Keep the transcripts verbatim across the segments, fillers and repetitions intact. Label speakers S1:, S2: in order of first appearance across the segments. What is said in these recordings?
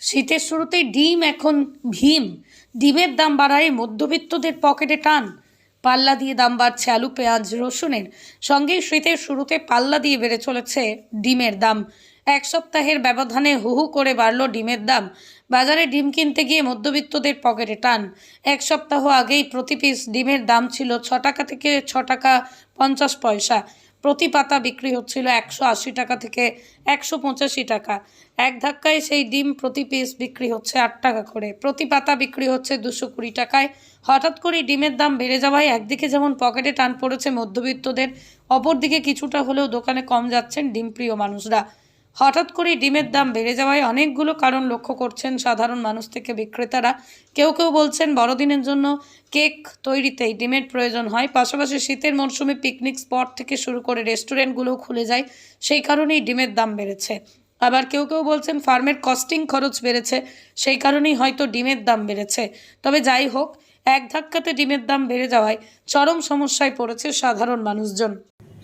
S1: শীতের শুরুতেই ডিম এখন ভীম। ডিমের দাম বাড়ায় মধ্যবিত্তদের পকেটে টান। পাল্লা দিয়ে দাম বাড়ছে আলু, পেঁয়াজ, রসুনের। সঙ্গে শীতের শুরুতে পাল্লা দিয়ে বেড়ে চলেছে ডিমের দাম। এক সপ্তাহের ব্যবধানে হু হু করে বাড়ল ডিমের দাম। বাজারে ডিম কিনতে গিয়ে মধ্যবিত্তদের পকেটে টান। এক সপ্তাহ আগেই প্রতি পিস ডিমের দাম ছিল ছ টাকা থেকে ছ টাকা পঞ্চাশ পয়সা। প্রতি পাতা বিক্রি হচ্ছিল একশো আশি টাকা থেকে একশো পঁচাশি টাকা। এক ধাক্কায় সেই ডিম প্রতি পিস বিক্রি হচ্ছে আট টাকা করে, প্রতি পাতা বিক্রি হচ্ছে দুশো কুড়ি টাকায়। হঠাৎ করে ডিমের দাম বেড়ে যাওয়ায় একদিকে যেমন পকেটে টান পড়েছে মধ্যবিত্তদের, অপরদিকে কিছুটা হলেও দোকানে কম যাচ্ছেন ডিমপ্রিয় মানুষরা। হঠাৎ করে ডিমের দাম বেড়ে যাওয়ায় অনেকগুলো কারণ লক্ষ্য করছেন সাধারণ মানুষ থেকে বিক্রেতারা। কেউ কেউ বলছেন বড়দিনের জন্য কেক তৈরিতেই ডিমের প্রয়োজন হয়, পাশাপাশি শীতের মরশুমে পিকনিক স্পট থেকে শুরু করে রেস্টুরেন্টগুলোও খুলে যায়, সেই কারণেই ডিমের দাম বেড়েছে। আবার কেউ কেউ বলছেন ফার্মের কস্টিং খরচ বেড়েছে, সেই কারণেই হয়তো ডিমের দাম বেড়েছে। তবে যাই হোক, এক ধাক্কাতে ডিমের দাম বেড়ে যাওয়ায় চরম সমস্যায় পড়েছে সাধারণ মানুষজন।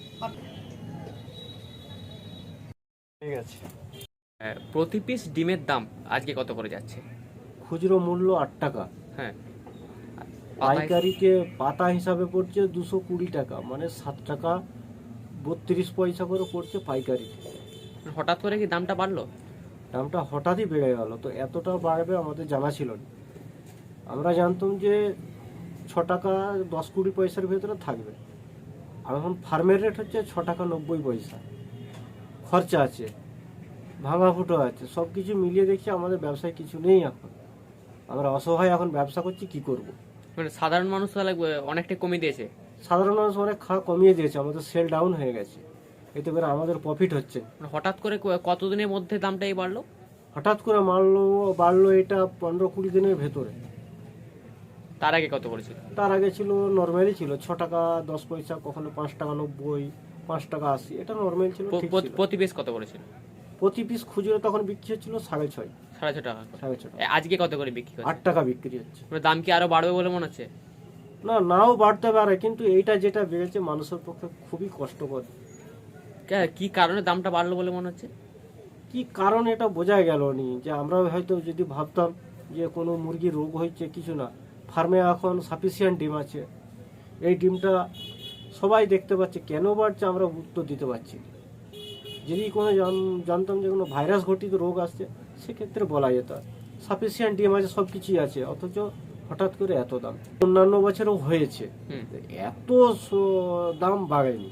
S2: ঠিক আছে।
S3: প্রতি পিস ডিমের দাম আজকে কত করে যাচ্ছে?
S2: খুচরো মূল্য আট টাকা,
S3: হ্যাঁ,
S2: পাইকারিতে পাতা হিসাবে পড়ছে দুশো কুড়ি টাকা, মানে সাত টাকা বত্রিশ পয়সা করে পড়ছে পাইকারিতে।
S3: হঠাৎ করে কি দামটা বাড়লো?
S2: দামটা হঠাৎই বেড়ে গেল, তো এতটা বাড়বে আমাদের জানা ছিল না। আমরা জানতাম যে ছ টাকা দশ কুড়ি পয়সার ভেতরে থাকবে, আর এখন ফার্মের রেট হচ্ছে ছ টাকা নব্বই পয়সা। খরচা আছে, ভাঙা ফুটো আছে, সব কিছু মিলিয়ে দেখছি আমাদের ব্যবসায় কিছু নেই। এখন আমরা অসহায়, এখন ব্যবসা করছি কি করব।
S3: মানে সাধারণ মানুষ তাহলে অনেকটাই কমিয়ে দিয়েছে।
S2: সাধারণ মানুষ অনেক খাওয়া কমিয়ে দিয়েছে, আমাদের সেল ডাউন হয়ে গেছে, এতে করে আমাদের প্রফিট হচ্ছে।
S3: মানে হঠাৎ করে কতদিনের মধ্যে দামটা এই বাড়লো?
S2: হঠাৎ করে মারলো বাড়লো এটা পনেরো কুড়ি দিনের ভেতরে।
S3: তার আগে কত করেছিল?
S2: তার আগে ছিল নর্মালি ছিল ছ টাকা দশ পয়সা, কখনো পাঁচ টাকা নব্বই, পাঁচ টাকা আশি, এটা নর্মাল ছিল।
S3: প্রতি পিস কত করেছিল?
S2: প্রতি পিস খুচরো তখন বিক্রি হচ্ছিল সাড়ে ছয়
S3: সাড়ে ছ টাকা
S2: সাড়ে ছ টাকা।
S3: আজকে কত করে বিক্রি হচ্ছে?
S2: আট টাকা বিক্রি হচ্ছে।
S3: মানে দাম কি আরো বাড়বে বলে মনে হচ্ছে?
S2: না, নাও বাড়তে পারে, কিন্তু এইটা যেটা বেড়েছে মানুষের পক্ষে খুবই কষ্টকর।
S3: কি কারণে দামটা বাড়লো বলে মনে হচ্ছে?
S2: কি কারণ এটা বোঝা গেল নি। যে আমরা হয়তো যদি ভাবতাম যে কোনো মুরগির রোগ হয়েছে, কিছু না, ফার্মে এখন সাফিসিয়েন্ট ডিম আছে, এই ডিমটা সবাই দেখতে পাচ্ছে, কেন বাড়ছে আমরা উত্তর দিতে পারছি না। যদি কোনো জানতাম যে কোনো ভাইরাস ঘটিত রোগ আসছে, সেক্ষেত্রে বলা যেত সাফিসিয়েন্ট ডিম আছে, সব কিছুই আছে, অথচ হঠাৎ করে এত দাম। অন্যান্য বছরও হয়েছে, এত দাম বাড়েনি।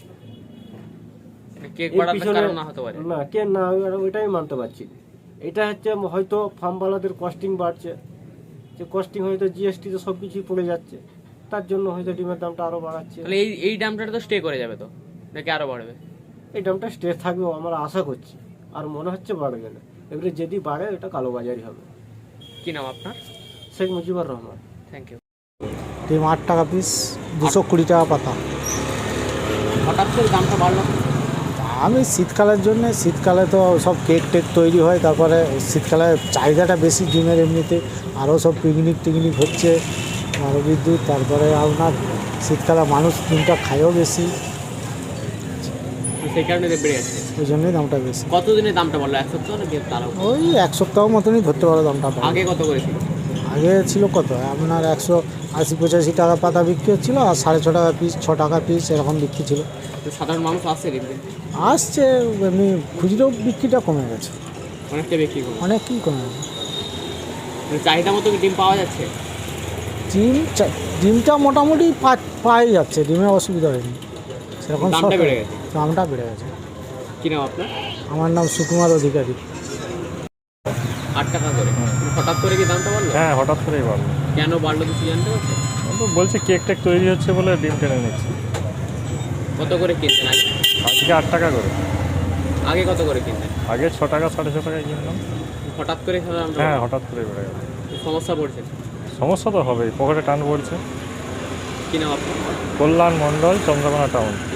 S2: না, কে না, ওইটাই মানতে পারছি। এটা হচ্ছে হয়তো ফার্মওয়ালাদের কস্টিং বাড়ছে, যে কস্টিং হয়তো জিএসটি তে সবকিছুই পড়ে যাচ্ছে, তার জন্য হয়তো ডিমের দামটা আরো বাড়াচ্ছে।
S3: তাহলে এই এই দামটা তো স্টে করে যাবে, তো নাকি আরো বাড়বে?
S2: এই দামটা স্টে থাকবে আমরা আশা করছি, আর মনে হচ্ছে বাড়বে না। এবারে যদি বাড়ে এটা কালোবাজারি হবে।
S3: কি নাম আপনার?
S2: শেখ মুজিবুর রহমান।
S3: Thank you.
S4: ডিম আট টাকা পিস, দুশো কুড়ি টাকা পাতা।
S3: হঠাৎ করে দামটা বাড়লো?
S4: আমি শীতকালের জন্য, শীতকালে তো সব কেক টেক তৈরি হয়, তারপরে শীতকালে চাহিদাটা বেশি ডিমের, এমনিতে আরও সব পিকনিক টিকনিক হচ্ছে, আরও বিদ্যুৎ, তারপরে আপনার শীতকালে মানুষ ডিমটা খায়ও বেশি,
S3: সেই কারণে বেড়ে যাচ্ছে।
S4: ওই জন্যই দামটা বেশি।
S3: কতদিনে দামটা বললো? এক সপ্তাহ নাকি তারও?
S4: ওই এক সপ্তাহ মতনই ধরতে পারো দামটা।
S3: আগে কত করেছিল?
S4: আগে ছিল কত আপনার একশো আশি পঁচাশি টাকা পাতা বিক্রি হচ্ছিলো, আর সাড়ে ছ টাকা পিস, ছ টাকা পিস এরকম বিক্রি ছিল।
S3: সাধারণ মানুষ আসছে কিনতে?
S4: আসছে, এমনি খুচরো বিক্রিটা কমে গেছে,
S3: অনেকটা বিক্রি কমে,
S4: অনেকই কমে গেছে।
S3: চাহিদা মতো ডিম পাওয়া যাচ্ছে?
S4: ডিম ডিমটা মোটামুটি পাওয়া যাচ্ছে, ডিমের অসুবিধা হয়নি সেরকম।
S3: দামটা বেড়ে গেছে?
S4: দামটা বেড়ে গেছে।
S3: কি নাম আপনার?
S4: আমার নাম সুকুমার অধিকারী।
S3: আট টাকা করে হঠাৎ করে কি দামটা বাড়লো?
S5: হ্যাঁ, হঠাৎ করেই বাড়লো।
S3: কেন বাড়লো কিছু জানতে পারছেন?
S5: বলছে কেক টেক তৈরি হচ্ছে বলে ডিম টেনে নিচ্ছে।
S3: কত করে কিনতেন আগে?
S5: আজকে আট টাকা করে।
S3: আগে কত করে কিনতেন?
S5: আগে ছ টাকা সাড়ে ছ টাকায় কিনলাম।
S3: হঠাৎ করে?
S5: হ্যাঁ, হঠাৎ করে বেড়ে গেল।
S3: সমস্যা পড়ছে?
S5: সমস্যা তো হবেই, পকেটে টান পড়ছে।
S3: কি নাম আপনার?
S5: কল্যাণ মণ্ডল, চন্দ্রকোনা টাউন।